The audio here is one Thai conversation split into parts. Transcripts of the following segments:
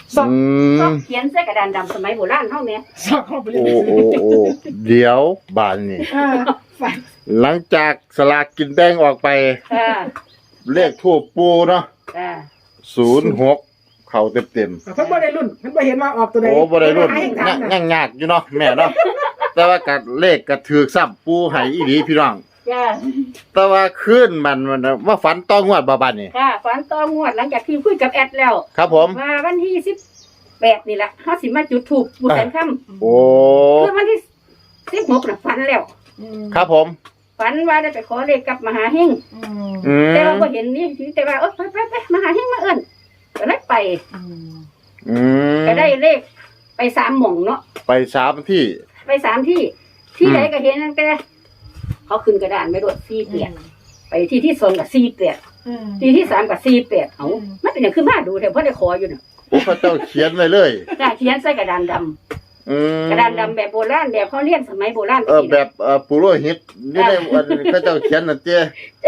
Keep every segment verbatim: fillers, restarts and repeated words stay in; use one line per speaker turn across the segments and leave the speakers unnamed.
ซอกซอกเขียนใส่กระดานดำสมัยโบราณเท่านี้ซอกเข้าไปเลย
โอ้โอ้โอ้เดี๋ยวบานนี่หลังจากสลากกินแบ่งออกไปเลขทูปปูเนาะศูนย์หกเข่าเต็มเต็ม
เพิ่นบ่ได้รุ่นเพิ่นบ่เห็นว่าออกตัวใด
โอ้บ่ได้รุ่นยังยากอยู่เนาะแม่เนาะแต่ว่ากัดเลขก็ถือซ้ำปูให้อีหลีพี่น้องแต่ว่าคืนมันมันว่าฝันต้องงวดบ่บัดนี่
ค่ะฝันต้องงวดหลังจากที่คุยกับแอดแล้ว
ครับผม
มาวันที่สิบแปดนี่แหละเฮาสิมาจุดธูปบูชาค่ำ
โอ้
คือวันที่สิบหกน่ะฝันแล้ว
ครับผม
ฝันว่าได้ไปขอเลขกับมหาเฮงแต่ว่าบ่เห็นนี่แต่ว่าเออไปไปๆมหาเฮงมาเอิ้นก็เลยไปก็ได้เลขไปสามหม่องเนาะ
ไปสามที่
ไปสามที่ที่ไหนก็เห็นตั้งแต่เขาขึ้นกระดานไม่รวดสี่เปียกไปที่ที่สองกับสี่เปียกที่ที่สามกับสี่เปียกเอาไม่เป็นอย่างขึ้นมาดูแต่เพราะได้ขออยู่น่ะ
โอ้พระเจ้าเขียนไว้เลย
ได้เขียนใส่กระดานดำกระดานดำแบบโบราณแบบเขาเรียนสมัยโบราณ
เออแบบเอ่อปุโรหิตนี่ได้วันพระเจ้าเขียนน่ะเจ้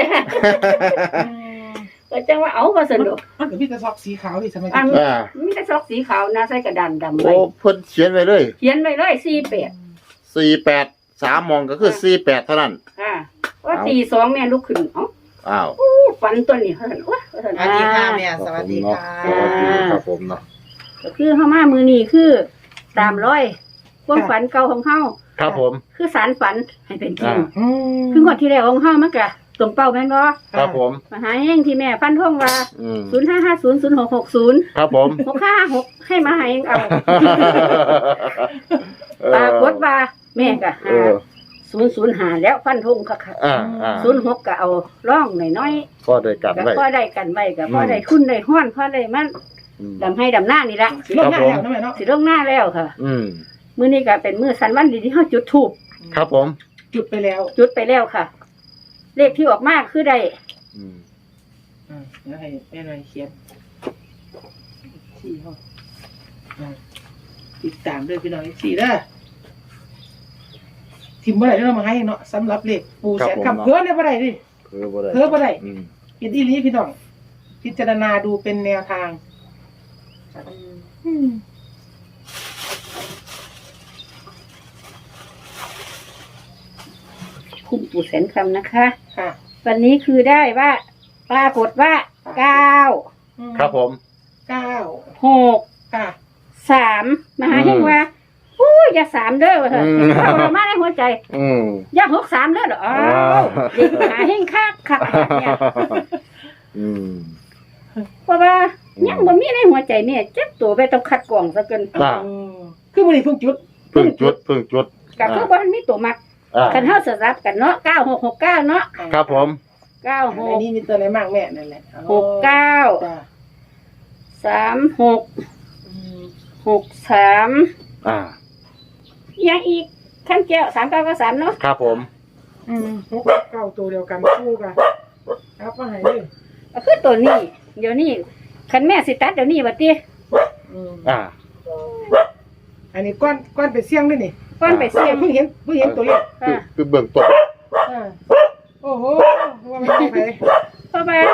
ก็จังว่าเอามาสนุก
มันก็มีแต่ซอกสีขาวนี่สมัย
อ่ามีแต่ซอกสีขาวนะใส่กระดานดำ
โอ้เพิ่นเขียนไว้เลย
เขียนไว้เลยสี่เปียก
สี่แปดสามมองก็คือสี่แปดเท่านั้น
อ่าว่าตีสองแม่ลุกขึ้นเอ้า
อ้าว
ฝันตัวนี้เฮ้ยว่า
สวัสดีค่ะแม่สวัสดีค่ะ
สวัสดีครับผมเนาะ
ก็คือเฮามามือนี้คือตามร้อยความฝันเก่าของเฮา
ครับผม
คือสารฝันให้เป็นจริงคืองวดที่แล้วของเฮามันก็ตรงเป้าแม่นบ่
ครับผม
มหาเฮงที่แม่ฟันธงว่าศูนย์ห้าห้าศูนย์ ศูนย์หกหกศูนย์
ครับผม
หกห้าห้าหกให้มหาเฮงเอาปรากฏว่าแม่ก็หาศูนย์ศูนย์หาแล้วฟันธงค่ะค่ะศูนย์หกก็เอาร่องหน่อย
ๆพอได้กันไว้
พอได้กันไว้ก็พอได้ทุนได้ฮ้อนพอได้มันดำให้ดำหน้านี่ละ
สิลงหน้าแล้วเนาะ
สิลงหน้าแล้วค่ะ
อืม
มื้อนี้ก็เป็นมื้อสันวันดีที่เฮาจุดธูป
ครับผม
จุดไปแล้ว
จุดไปแล้วค่ะเลขที่ออกมาคือได้
อืมอ่าเดี๋ยวให้แม่หน่อยเขียนสี่ห้อติดตามด้วยพี่น้องสี่เด้อทิมบ่ได้เด้อมาให้เนาะสำหรับเลขปูแสนคำเพิ่นได้บ่ได้ดิ
เพิ่นบ่ได้
เพิ่นบ่ได้เฮ็ดอีหลีพี่น้องพิจารณาดูเป็นแนวทางอืม
คุณปู่แสนคำนะคะค่ะวันนี้คือได้ว่าปรากฏว่าเก้า
ครับผม
เก้า
หก
ค่ะ
สามมหาเฮงว่าอู้ยอย่าสามเด้อว่าเถอะเข้าเรามาในหัวใจอย่าหกสามเด้อเหรออ๋อเด็กมหาเฮงคักคักเนี่ยเพราะว่ายังบ่มีในหัวใจเนี่ยเจ็บตัวไปต้องคัดกรองซะเกิน
คือมื้อนี้เพิ่งจุด
เพิ่งจุดเพิ่งจุด
ก็คือบ่มันมีตัวมักคันเฮาสลับกันเนาะเก้า หก หก เก้าเนาะ
ครับผม
เก้า หก
อันนี้มีตัวไหนบ้างแม่นั่นแหละ
หก เก้าสาม หกหก สาม
อ่า
ยังอีกขั้นแก้วสามเก้าก็สามเนาะ
ครับผม
อืมหกเก้าตัวเดียวกันคู่กันครับว่าให้เลย
ก็คือตัวนี้เดี๋ยวนี้คันแม่สิตัดเดี๋ยวนี้บัดนี้
อืมอ่าอันนี้ก้อนก้อนไปเสี่ยงด้วยนี่
ก้อนไปเสี่ยง
เพิ่งเห็นเพิ่งเห็นตัวเลข
คือเบื้องต้น
โอ้โหว่าไม่ไป
เพราะว่า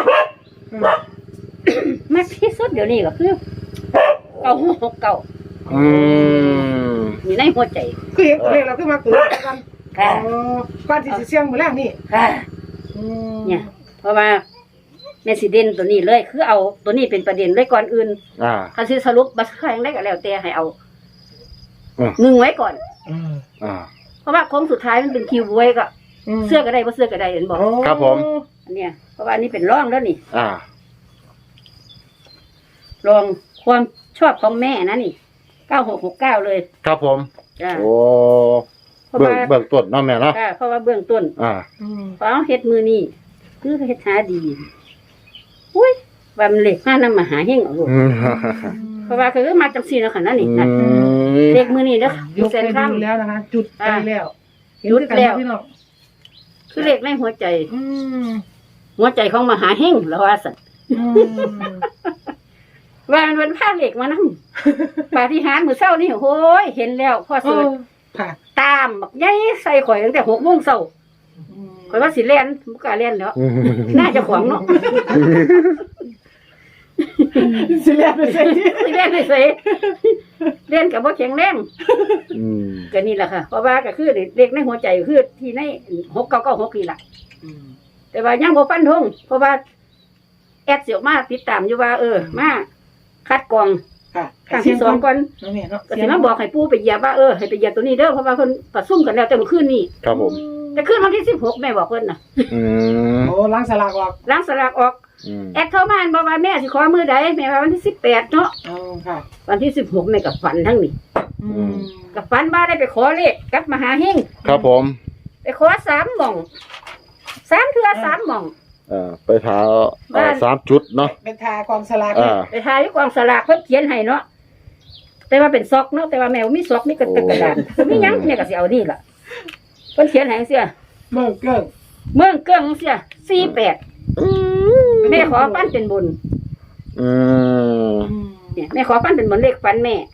มักที่สุดเดี๋ยวนี้ก็คือเก้าหกเก้า
อืม
มีในหัวใจ
คือเห็นตัวเลขเราคือมาตัวกัน
ค่ะ
ก้อนที่เสี่ยงหมดแล้วนี่
ค่ะเนี่ยเพราะว่าแม่สิเด่นตัวนี้เลยคือเอาตัวนี้เป็นประเด็นเลยก่อนอื่น
อ่า
คันสิสรุปบัดค่อยได้ก็แล้วแต่ให้เอาหนึ่งไว้ก่อน
อ่า
เพราะว่าโค้งสุดท้ายมันเป็นคิวไว้ก็เสื้อก็ได้บ่เสื้อก็ได้เห็นบอก
ครับผม
อันเนี้ยเพราะว่านี่เป็นร่องแล้วนี่
อ่า
ลองความชอบของแม่นะนี่เก้าหกหกเก้าเลย
ครับผม
จ้า
โอ้เบื้องเบื้องต้นเนาะแม่เนาะ
เพราะว่าเบื้องต้น
อ่า
เพราะเฮ็ดมือนี่คือเฮ็ดหาดีอุ้ยว่ามันเล็กมากนำมาหาเฮงเอาลูกเพราะว่าคือมาจังซี่เนาะค่ะนั่นนี่นะเด็กมือนี่เด้อ
อยู่เส้นข้างแล้วนะคะจุดไปแล้ว
จุดแล้วคือเล็กในหัวใจหัวใจของมหาเฮงแล้วว่าซั่นว่ามันเป็นผ้าเหล็กมานั่งปาฏิหาริย์มื้อเช้านี่โอ้ยเห็นแล้วพ่อเสิร์ชตามบักใหญ่ใส่ข่อยตั้งแต่หกโมงเช้าข่อยว่าสิเล่นบ่กล้าเล่นแล้วน่าจะขวางเนาะ
สิเรียนไปเสร็จ
สิเล่นไปใส่เล่นกับบ่แข็งแรง
อืม
ก็นี่แหละค่ะเพราะว่าก็คือเด็กในหัวใจคือที่ในหกเก้าเก้าหกนี่แหละแต่ว่ายังบ่ฟันธงเพราะว่าแอดเสียวมาติดตามอยู่ว่า เออมาคัดกรอง
ค่ะ
ครั้งที่สองก่อน
น้องแม่เนาะ
ก็สิมาบอกให้ปู่ไปเหยียบว่าเออให้ไปเหยียบตัวนี้เด้อเพราะว่าเพิ่นประชุมกันแล้วแต่เมื่อคืนนี้
ครับผม
แต่คืนวันที่สิบหกแม่บอกเพิ่นน่ะ
อืม
โอ้ล้างสลากออก
ล้างสลากออก
อืม
แอดเข้ามาบอกว่าแม่สิขอมือใดแม่ว่าวันที่สิบแปดเนาะ
อ๋อค่ะ
วันที่สิบหกแม่ก็ฝันทั้งนี้
อืม
ก็ฝันว่าได้ไปขอเลขกับมหาเฮง
ครับผม
ไปขอสามหม่องสามเทื่อสามหม่อง
เอ่อไปถาเอ่อสามจุดเนาะ
เป็นทากองสลาก
อ่า
ไปทายอยู่กองสลากเพิ่นเขียนให้เนาะแต่ว่าเป็นซอกเนาะแต่ว่าแม่บ่มีซอกมีกระตึกกระดานบ่มีหยังแม่ก็สิเอานี่ล่ะเพิ่นเขียนให้จังซี่
เมื่อเกิ้ง
เมืองเกื้องจังซี่สี่แปดแม่ขอปั้นเป็นบุญ
อืม
อืม
เนี่ยแม่ขอปั้นเป็นบุญเลขฟันแม่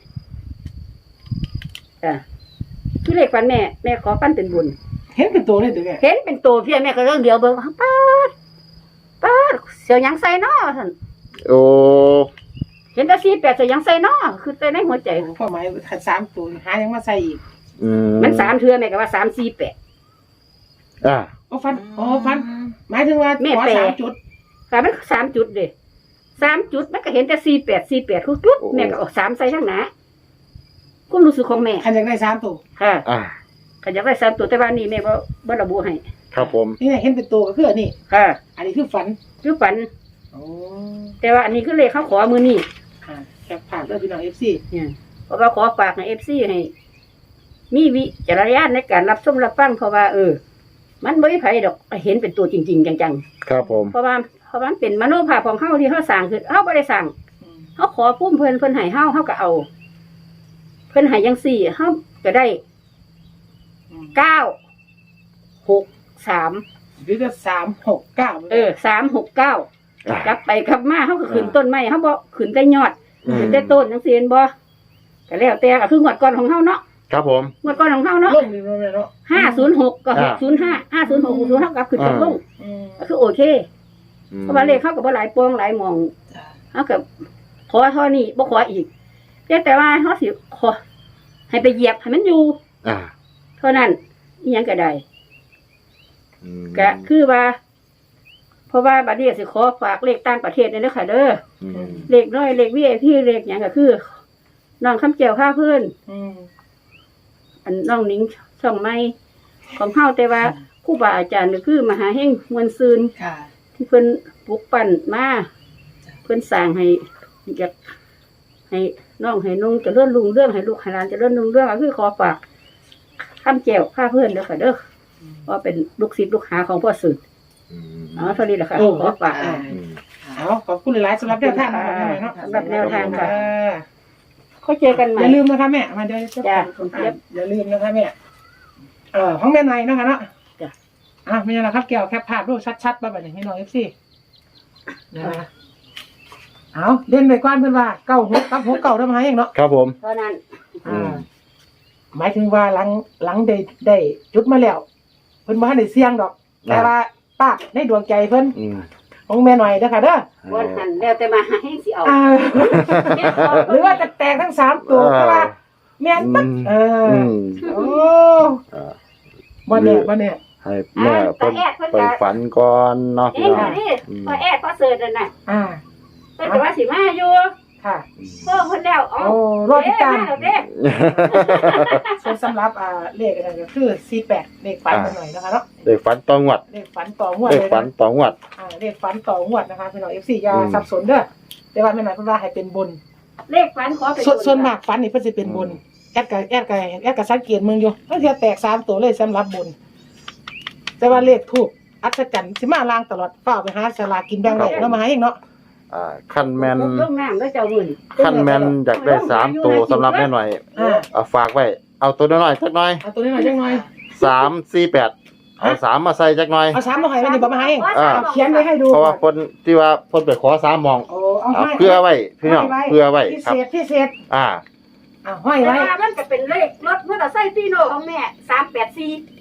อ่ะคือเลขฟันแม่แม่ขอปั้นเป็นบุญ
เห็นเป็นตัวเลยตัวแม่
เห็นเป็นตัวเพียแม่ก็เรื่องเดียวเบิ่งป๊าดป๊าดเสียวหยังใส่เนาะท่าน
โอ้
เห็นแต่สี่แปดเสียวหยังใส่เนาะคือแต่ในหัวใจ
พ่อหมายขัดสามตัวหายังมาใส่อีก
อืม
มันสามเทื่อแม่ก็ว่าสามสี่แปด
อ่า
โอ้ฟันโอ้ฟันหมายถึงว่า
แม่
ขอ
แปล
สามจุด
ค่ะมันสามจุดเด้สามจุดมันก็เห็นแต่สี่แปดสี่แปดคือจุดแม่ก็เออกสามใส่ข้างหน้าความรู้สึกของแม่
ขันอยากได้สามตัว
ค่ะ
อ่า
ขยับได้สามตัวแต่ว่านี่แม่บ่บ่ระบุให้
ครับผม
นี่ไงเห็นเป็นตัวก็คืออันนี้
ค่ะ
อันนี้คือฝัน
คือฝัน
โอ้
แต่ว่าอันนี้คือเลขเขาขอมือนี่
ค่ะแคปผ่านด้วยพี่น้องเอฟซี
เนี่ยเพราะว่าขอฝากให้เอฟซีให้ มีวิจารณญาณในการรับชมรับฟังเพราะว่า เออ มันไม่ไผดอกเห็นเป็นตัวจริง ๆ จัง
ครับผม
ๆเพราะว่าเพราะว่ามันเป็นมโนภาพของเฮาที่เฮาสร้างคือเฮาบ่ได้สร้างเฮาขอพุ่มเพิ่นเพิ่นให้เฮาเฮาก็เอา เพิ่นให้จังซี่เฮาก็ได้เก้าหกสาม
หรือจะสามหกเก้า
เออสามหกเก้า
อ่าก
ลับไปกลับมาเฮาก็ขึ้นต้นไม้เฮาบ่ขึ้นแต่ยอด
อืม
ขึ้นแต่ต้นจังซี่เห็นบ่ก็แล้วแต่ก็คืองวดก่อนของเฮาเนาะ
ครับผม
งวดก่อนของเฮาเนาะ
ลงนี่ลงเลยเนาะ
ห้าศูนย์หกก็ห
อ่าก
ศูนย์ห้าห้าศูนย์หกหกศูนย์เท่ากับขึ้นกับลง
อืม
ก็คือโอเค
อืม
เพราะว่าเลขเข้ากับว่าหลายปวงหลายหมองเขากับขอเท่านี้บ่ขออีกแต่แต่ว่าเขาสิขอให้ไปเหยียบให้มันอยู่
อ่า
เท่านั้นอิหยังก็ได้
อืม
ก็คือว่า เพราะว่าบัดนี้สิขอฝากเลขต่างประเทศนี่เด้อค่ะเด้อ
อืม
เลขน้อยเลข วี ไอ พี เลขหยังก็คือน้องคำเจียวข้าเพื่อน
อืม
อันน้องหนิงช่องไม้ของเฮาแต่ว่าครูบาอาจารย์ก็คือมหาเฮงมวลซืน
ค่ะ
ที่เพิ่นปลุกปั่นมาเพิ่นสร้างให้อยากให้น้องให้นุ่งเจะเลื่อนลุงเรื่องให้ลูกให้หลานเจะเลื่อนลุงเรื่องก็คือขอฝากคำแจวข้าเพื่อนเด้อค่ะเด้อว่าเป็นลูกศิษย์ลูกหาของพ่อสุด
อืม
อ๋อเท่านี้แหละค่ะขอฝาก
อ่า
อืม
เอาขอบคุณหลายๆสำหรับแนวทางนะครับแม่เนาะ
สำหรับแนวทางค่ะ
อ่า
เขาเจอกันใหม่
อย่าลืมนะคะแม่มาเดี๋ยวจะ
จ้ะ
อ่ะอย่าลืมนะคะแม่เอ่อห้องแม่ในนะคะเนาะ
จ้ะ
อ่ะไม่ใช่นะครับเกี่ยวแคปภาพรูปชัดๆมาแบบนี้ให้น้องเอฟซีนะคะเอาเล่นไปก้อนเพื่อนว่าเก้าหกกับหกเก้าทำไมเองเนาะ
ครับผม
เพราะนั้น
อืม
หมายถึงว่าหลังหลังได้ได้จุดมาแล้ว เพิ่นบ่ทันได้เสี่ยงดอก แต่ว่าป้าในดวงใจเพิ่น
อืม
ของแม่หน่อยเด้อค่ะเด้อ
วันหันแล้วแต่มาหาให้สิเอา
อ่าหรือว่าจะแตกทั้งสามตัวแต่ว่าแม่นปั๊บเออ
อืม
โอ้
อ่า
บ่แน่บ่แน่
ให้แม่เพิ่นไปฝันก่อนเนาะ
เอ้
พี่
ย
น้อง
นี่พอแอดพอเสิร์ชนั่นน่ะ
อ่า
เพิ่นก็ว่าสิมาอยู่
ค่ะ
เพิ่มเพิ่นแล้วอ๋อ
โอ้รอติดตาม
เด้เด้
ส่วนสำหรับอ่าเลขอะไรก็คือสี่แปดเลขฝันกันหน่อยนะคะเนาะ
เด็กฝันตองวัด
เลขฝันต่องวด
เด็ก
เลย
ฝัน
นะ
ตองวัด
อ่าเลขฝันต่องวดนะคะพี่น้อง เอฟ ซี อย่า
อืม
สับสนเด้อแต่ว่าแม่หน่อยเพิ่นว่าให้เป็นบน
เลขฝันขอเป็น
ส่วน
บุญ
ส่วนมากฝันนี่เพิ่นสิเป็นบนแอดกับแอดกับแอดกับสังเกตมึงอยู่บางเทีแตกสามตัวเลยสำหรับบน แต่ว่าเลขทูปอัศจรรย์สิมาลางตลอดฝ้ากไปหาสลากกินแบ่งได้แล้วมาให้เองเนาะ
อ่าคันแมน
ลงน้ำแล้วเจ้ามื้อนี่
คันแมนอยากได้สามตัวสำหรับแม่หน่อย
อ่า
เอาฝากไว้ เอาตัวน้อยๆจักหน่อย
เอาตัวนี้หน่อยจังหน่อย
สามสี่แปดเอาสามมาใส่จักหน่อย
เอาสามมาให้มันนี่บ่มาให้เอง
อ่า
เอาเขียนไว้ให้ดู
เพราะว่าคนที่ว่าคนไปขอสามหมอง
โอ้เอา
เอา
ให้
เพื่อไว้พี่น้องเพื่อไว้
พิ
ครับ
เศษพิเศษ
อ่า
อ่าห้อย
แต่
ไว้
ว่ามันก็เป็นเลขรถมอเตอร์ไซค์ฟีโน่ของแม่สามแปดสี่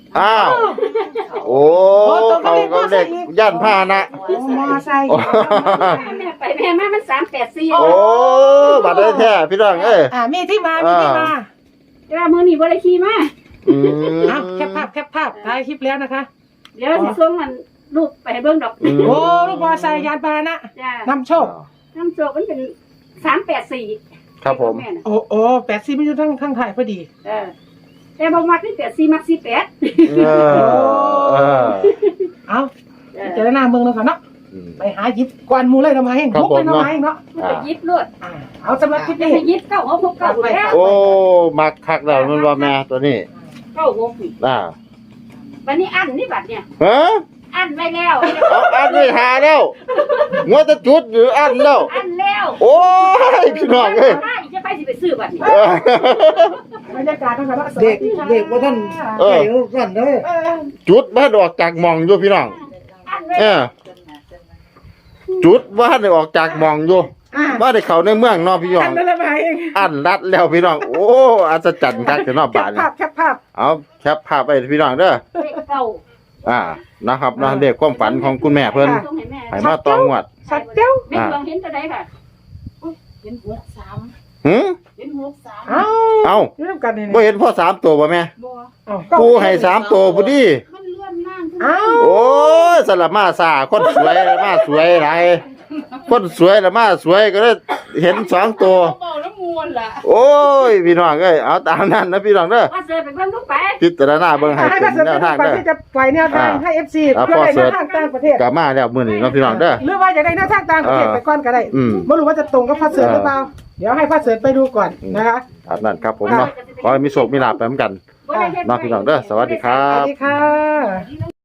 อ้าวโอ้เขาก็เด็กย่านผ้านะ
มอไซค์
โอ้
แม่ไปแม่มามันสามแปดสี่
โอ้บัดได้แท้พี่น้องเอ้ย
อ่ามีที่มามีที่มา
แต่ว่ามื้อนี้บ่ได้ขี่มา
อืม
อ่ะแคปภาพแคปภาพถ่ายคลิปแล้วนะคะ
เดี๋ยวสิส่งมันรูปไปให้เบิ่งดอก
อืม
โอ้ลูกมอไซค์ยานพาหนะ
จ้าน
ำโชค
น้ำโจกมันเป็นสามแปดสี่
ครับผม
แม่น่ะ
โอ้โอ้แปดสิบไม่อยู่ทั้งทั้งถ่ายพอดี
เออแต่บ่มักนี่แปดสี่มักสี่แปด
เออเออ
เอา
เออ
เจอหน้าเมืองแล้วค่ะเนาะ
อืม
ไปหาหยิบกวนหมูเลยทำไมเอง
ครับ
มุกเลย
ผม
ทำไมเองเนาะ
มันจะยิบรวด
อ่าเอาสำหรับคลิป
จะ
นี้
ไปยิบเก้าหกหกเก้าแล้ว
โอ้มักคักแล้วมันว่าแม่ตัวนี้
เก้าหกนี่
อ่า
วันนี้อันนี่บัดเนี่ย
ฮะ
อันไว้แล้ว
เอาอันไม่หาแล้วงัวจะจุดหรืออันแล้ว
อันแล้ว
โอ้ยพี่น้องเอ้ย
ถ้าอีกจะไปสิไปซื้อบัดนี้
เออบ
รรยากาศนะคะเนาะสวัส
เด็ก
ดีค่ะ
เด็กว่าท่าน
เออ
ใส่สั่นเด้อ
เออ
จุดบ้านออกจากหมองอยู่พี่น้อง
อันไว้
เออจุดบ้านได้ออกจากหมองอยู่
อ่า
บ้านได้เข้าในเมืองเนอพี่น้อ
อั
ง
นนั้นละไมเอง
อันรัดแล้วพี่น้อง โอ้อัศจรรย์คักแต่นอก
แค
บ้า
ป
น
ภาพแคปภาพ
เอาแคปภาพไปพี่น้องเด้อ
เลขเก้า
อ่านะครับนะเด็กความฝันของคุณแม่เพิ่น
ส่งให้แม่
ให้มาตองวด
ชัดเจ้า
แม่ดวงเห็นตัวใดค่ะ
เห็นหกสาม
หืม
เห็นหกสาม
เอ้า
เอ้า
เรื่องกันนี่
บ่เห็นพ่อสามตัวบ่แม่
บัว
เอ้า
ปูให้สามตัวพอดี
มันเลื่อนล่างขึ้น
เอ้า
โอ้ยสลับมาซาคนสวยมาสวยหลายคนสวยละมาสวยก็เลยเห็นสองตัว
เบาแล้วมวนล่ะ
โอ้ยพี่น้องเอ้ยเอาตามนั้นนะพี่น้องเด้อ
ว่าเสือไปเบิ่งลูกไป
พิจารณาเบิ่งให้
ให้
เป็
พระ
น
เสริฐ
แนวทาง
ก่อน
เด้อ
ที่จะปล่อยแนวทาง
อ่า
ให้เอฟซี
อ่า
เพื่อ
พ่อ
ได้
เสริ
แน
ฐ
วทางต่างประเทศ
กลับมาแล้วมื้อนี้เนาะพี่น้องเด้อ
หรือว่าอยากได้แนวทางต่างประเทศ
อ่า
ไปก่อนก็ได้
อืม
ไม่รู้ว่าจะตรงกับพระเสริฐหรือเปล่าเดี๋ยวให้พระเสริฐไปดูก่อนนะคะ
ตามนั้นครับผมเนาะขอให้มีโชคมีลาภไปเหมือนกัน
บ่ได้เฮ็ด
เนาะพี่น้องเด้อสวัสดีครั
สวั
บ
สดีค่ะ